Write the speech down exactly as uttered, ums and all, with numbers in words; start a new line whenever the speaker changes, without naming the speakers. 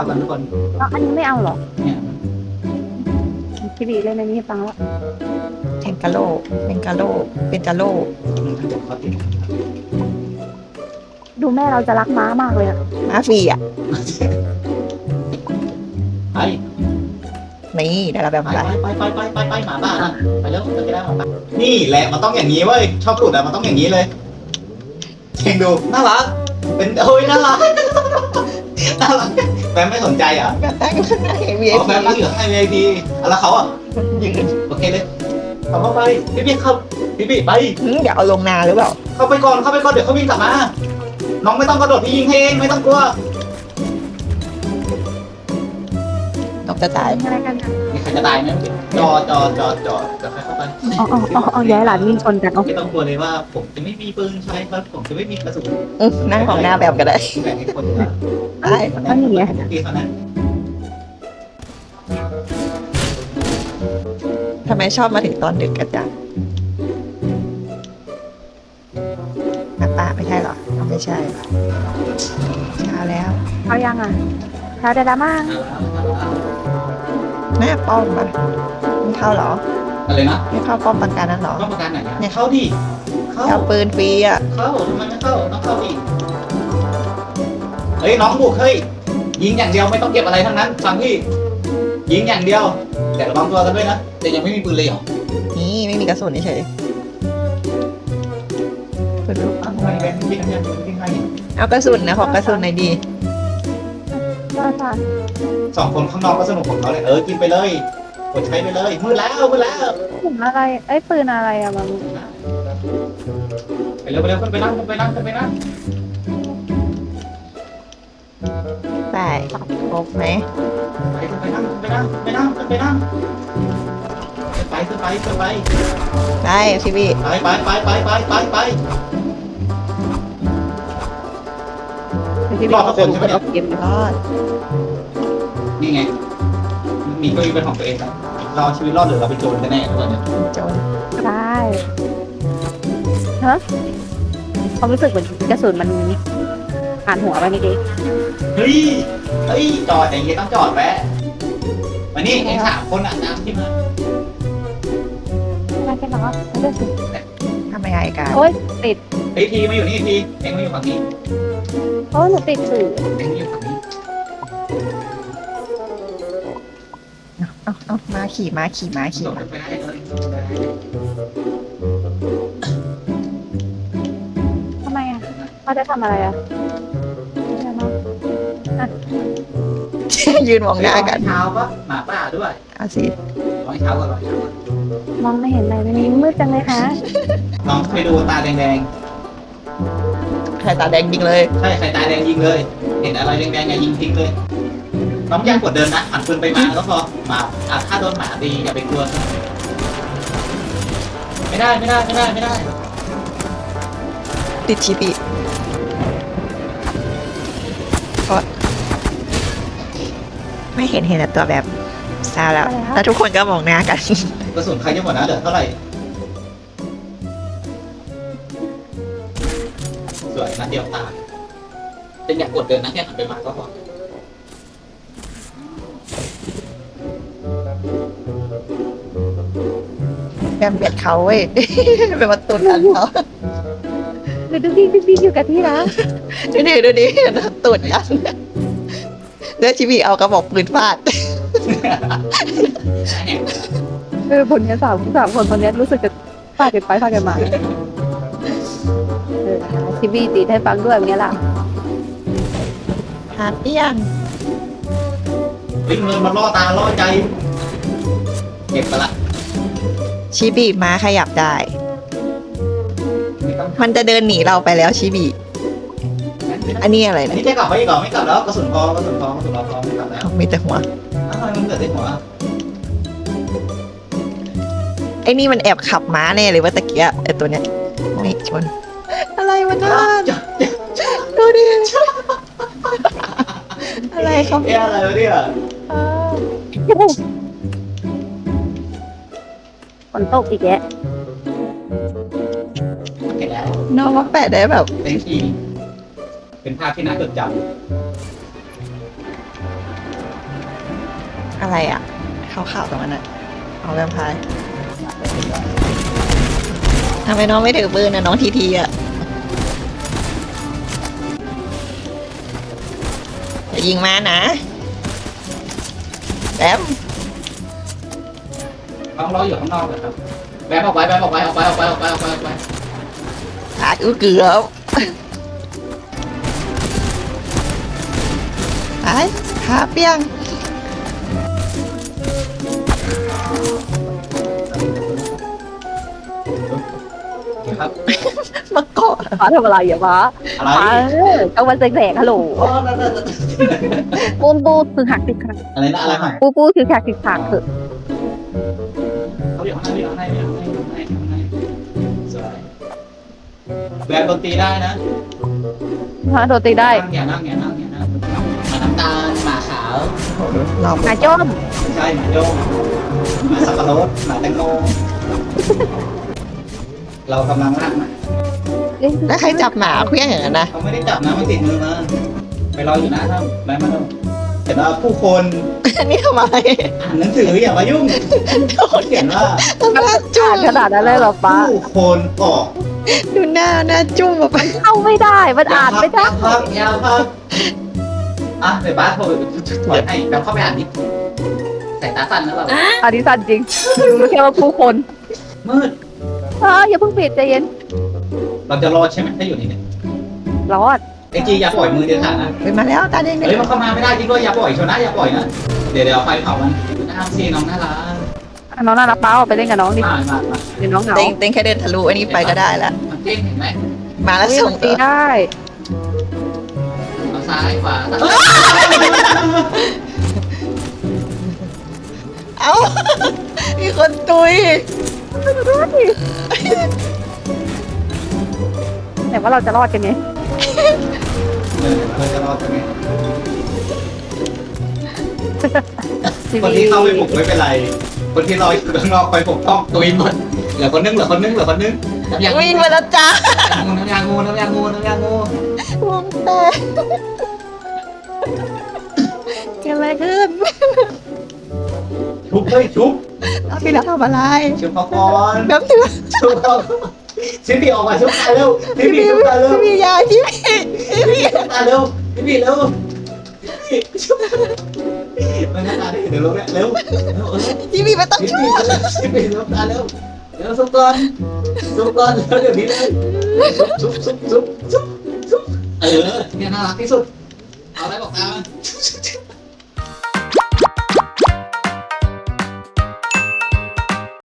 กันทุกคน
แล้วอันนี้ไม่เอาเหรอ
เนี่ย
พี่บีเล่นในนี้ให้ฟังแล้ว
แทงกาโลแทงกาโลเป็นกาโล
เขาติด
ดูแม่เราจะรักม้ามากเลยอะ
มาฟรีอ่ะ
ไป
นี่ได้แล้วแบบ
ไป
อะไร
ไปไปไปไปไปหมาบ้านะไปแล้วจะได้หมาบ้านี่แหละมันต้องอย่างนี้เว้ยชอบหลุดอะมันต้องอย่างนี้เลยเองดูน่ารักเป็นโอ้ยน่ารักน่ารักแฟนไม่สนใจอ่ะ
ก็ตั้งข้างในวีไอ
เอาแฟ
พี
นนั่งอยู่ให้ วี ไอ พี แล้วเขาอ่ะ
ยืน
โอเคเลยเขาเข้าไปพี่พี่เข้าพี่พี่ไป
เดี๋ยวเอาลงนาหรือเปล่า
เข้าไปก่อนเข้าไปก่อนเดี๋ยวเขาวิ่งกลับมาน้องไม่ต้องกระโดดพี่ยิงให้เองไม่ต้องกลัว
นกจะตาย
อะไรกันอะ
มีใครจะตายไหมจอจอจอจอจะเข้าไป
อ๋ออ๋ออ๋ออ๋อย้ายหลานวิ่งชนกันอ๋อ
ไม่ต้องกลัวเลยว่าผมจะไม่มีปืนใช้ครับผมจะไม่มีกระสุน
อืมนั่งของหน้าแบบก็ได้
แบ่งให้คนละ
ได้
คนนั้นตีคนนั้น
ทำไมชอบมาถึงตอนดึกกันจังน้าป้าไม่ใช่เหรออ๋อไม่ใช่เช้าแล้ว
เอายังอ่ะเช้าดาดามั่ง
แม่ป้อมปะไม่เข้าเหรอ
อะไรนะ
ไม่เข้าป้อมปังการนั้นเหรอ
ต้องประกันไหนเนี่ยเข้าดิเข้า
เอาปืนฟรีอ่ะ
เข้าทำไมไม่เข้าต้องเข้าดิเฮ้ยน้องบุกเฮ้ยยิงอย่างเดียวไม่ต้องเก็บอะไรทั้งนั้นฟังพี่ยิงอย่างเดียวแต่ระวังตัวกันด้วยนะแต่ยังไม่มีปืนเลยเหรอ
นี่ไม่มีกระสุนเฉยปืนลูก
ทำไมแบงค์ยิงยังยิงให้
เอากระสุนนะขอกระสุนหน่อยดี
ใช่ใช่
สองคนข้างนอกก็สนุกของเขาเลยเออกินไปเลยกดใช้ไปเลยมืดแล้วมืดแล้ว
ถุงอะไรเอ้ยปืนอะไรอะบาง
ไปเร็วไปเร็วขึ้นไปนั่งขึ้นไปนั่งขึ้นไปนั่ง
ได้ครบไหม
ไปขึ้นไปนั่งขึ้นไปนั่งขึ้นไปนั่งขึ้นไปนั่งไปขึ้นไปขึ้นไป
ได้พี่บี
ไปไปไปไปไปไปไป
พี่บีเอาปืนเอาเกม
รอด
นี่ไงมีเก็มีเป็นของตัวเองนะเราเอาชีวิตรอดหรือเราไปโจรกันแน่ทุกคนเนี่ย
โจน
ได้ฮะความรู้สึกเหมือนกระสุนมันผ่านหัวไปเมื่อกี้
เฮ้ยเฮ้ยจอดอย่างงี้ต้องจอดแวะมานี่เองสามคนอ่ะตามที่มา
ไม่ใช่หรอไม่ได้สิ
ทำไมไงกัน
โอ๊ยติด
เฮ้ยทีมาอยู่นี่ทีเองมาอยู่ฝั่งนี้
โอ้ยหนูติดสื่อ
เองมาอยู่ฝั่งนี้
เอาเอามาขี่มาขี่มาขี่
ส่ง
มา
ไปได้เลย
ทำไมอะเขาจะทำอะไรอะไม่ได้เนอะ
ยืนมองหน้ากัน
เช้าปะหมาป่าด้วย
เอาสิ
ร้อยเช้าก่อนร้อยเช้าก่อน
มองไม่เห็นอะไรในนี้มืดจังเลยคะ
น้องไปดูตาแดง
ใครตาแดงจริงเลย
ๆใช่ใครตาแดงยิงเลย เห็นอะไรแดงๆอย่ายิงทิ้งเลย น้องอย่ากดเดินนะหันปืนไปมาก็พอหมาอ่ะถ้าโดนหมาตีอย่าไปกลัวไม่ได้ไม่ได้ไม่ได้ไม่ได้
ติดชีปีเพราะไม่เห็นเห็นแต่ตัวแบบซาแล้วแล้วทุกคนก็มองหน้ากัน
กระสุนใครจะหมดนะเหลือเท่าไหร่สวยนัดเดียวตายเป็นอยากกดเดินนะแค่หันไปมาก็พอ
แบมเบียดเขาเว้ย เป็นประตูทันเขา
หรือดูดีดูดีอยู่กับที่นะ
ดูดิดูดิตูดยันแล้วชีบีเอากระบอกปืนฟาด
เออผลเนี้ยสามสามคนคนเนี้ยรู้สึกจะฟาดกันไปฟาดกันมาเออทีวีตีให้ฟังด้วยอย่างเงี้ยล่ะ
หาเปี้ยง
วิ่งเงินมาล่อตาล่อใจเก็บไปละ
ชีบีม้าขยับได้
ไม่ต้อง
มันจะเดินหนีเราไปแล้วชีบีอันนี้อะไร
อัน
นะ
นี้จะกลับไปอีกเหรอไม่กลับแล้วกระสุนพอกระสุนพอกระสุนเราพอไม่กลับแล้ว
มีแต่หัว
อ้าวทำไมมันเกิดในหัว
ไอ้นี่มันแอบขับม้าแน่เลยว่าตะเกียบไอ้ตัวเนี้ยนี่ชน อะไรวะน่าดูดิ อะไรเขา
เอ๊ะอะไรวะเนี่ย
เออฝนตกอีกแยะ
เห็นแล้ว
น้องว่าแปะได้แบบ
เป็นทีเป็นภาพที่น่าจดจ
อะไรอ่ะขาวๆตรงนั้นอ่ะเอาแวมไพร์ทำไมน้องไม่ถือปืนนะน้องทีทีอ่ะอย่ายิงมานะแบม
ต้องรออยู่ข้างนอกเลยครับแบมออกไปแบมออกไปออกไปออกไปออกไปออกไปออกไป
อากูเกือบไปหาเปียง
ครับ
มาเกาะ
ฟ้าทำอะไรอ่ะฟ้า
อะไร
ฟ้าเออกลางวันแสกๆฮัลโหล
โอ้นั่นนั่นนั่น
ปูนปูคือหักติดขัด
อะไรนะอะไรใหม่
ปูปูคือหักติดขัดเถอะ
เขาอยู่ข้างในอยู่ข้างในอยู่ข้างในอยู่ข้างในอยู่ข้างในสวยแบมดนตรีได้นะ
ฟ้าโดนตีได้
อย่านั่งอย่านั่งอย่านั่งหมาน้ำตาลหมาขาว
เรา
หาจ้อม
ไม่ใช่หมาโยงหมาสับปะรดหมาแตงโมเรากำลังนั่งนะ
แล้วใครจับหมาเคลี้ยงอย่างนั้นนะ
เขาไม่ได้จับนะมันติดมือมาไปรออยู่นะครับแบมมาดูเห็นว่าผู้คน
อันนี้ทำอะไร
อ่านหนังสืออย่ามายุ่งเขาเขียนว่า
หน้าจุ้
อ่าม นขนาดนั้นเลยเหรอฟ้า
ผู้คนออก
ดูหน้าหน้าจุ้มแบบไป
เข้าไม่ได้มันอ่านไม่ได้
ยาวครับยาวครับอ่ะเดี๋ยวบ้านโทรถอยให้แบมเข้าไปอ่านดิสายตาสั้นนะเรา
อันนี้สั้นจริงรู้แค่ว่าผู้คน
มืด
ฟ้าอย่าเพิ่งปิดใจเย็น
เราจะรอดใช่ไหมถ้าอยู่นี่เนี่ย
รอด
ไอจีอย่าปล่อยมือเด็ดขาดนะ
ไปมาแล้วตาแดง
เฮ้ยมันเข้ามาไม่ได้จริงด้วยอย่าปล่อยชนะอย่าปล่อยนะเดี๋ยวเดี๋ยวไฟเผามันน้ำซีน้องน่ารัก
อ่ะน้องน่ารักป้าออกไปเล่นกับน้องดิ
มามามา
เดี๋ยวน้องเหงา
เต็งเต็งแค่เดินทะลุอันนี้ไปก็ได้แล้ว
มันเต้นเห็นไหม
มาแล้ว
เฮ้ย
ส่ง
มันตีได้
เอาซ้ายขวา
เอ้า มีคนตุย
แต่ว่าเราจะรอดกันไง
เออเราจะรอดกันไหม
ที
คน
วี
ที่เข้าไปปลุกไม่เป็นไร คนที่รออยู่ข้างนอกคอยปกป้องตุยหมดเหลือคนนึงเหลือคนนึงเหลือคนนึงน้ำยางู
วิ่งมาแล้วจ้า
น้ำยางูน้ำยางูน้ำยางู
วงแตกเกิดอะไรขึ้น
ชุบเฮ้ยชุบ
เอาพี่แล้วทำอะไร
ชุบเขาก่อน
แบบถือ
ชุบเขาชิบีออกมาชุบตาเร็วชิบี
พี่
ชุบตาเร็ว
พี่ยายพี่พี่
ชิบีชุบตาเร็วชิบีเร็วชุบมันหน้าตาได้เดี๋ยวลงแล้วเร็วเร็วเออ
พี่พี่ไม่ต้อง
ชิ
ช่
บี
วย
ชิบีชุบตาเร็วเร็วชุบก่อนชุบก่อนแล้วเดี๋ยวนี้เลยชุบชุบชุบชุบชุบเออเนี่ยน่ารักที่สุดเอาอะไรบอกตามัน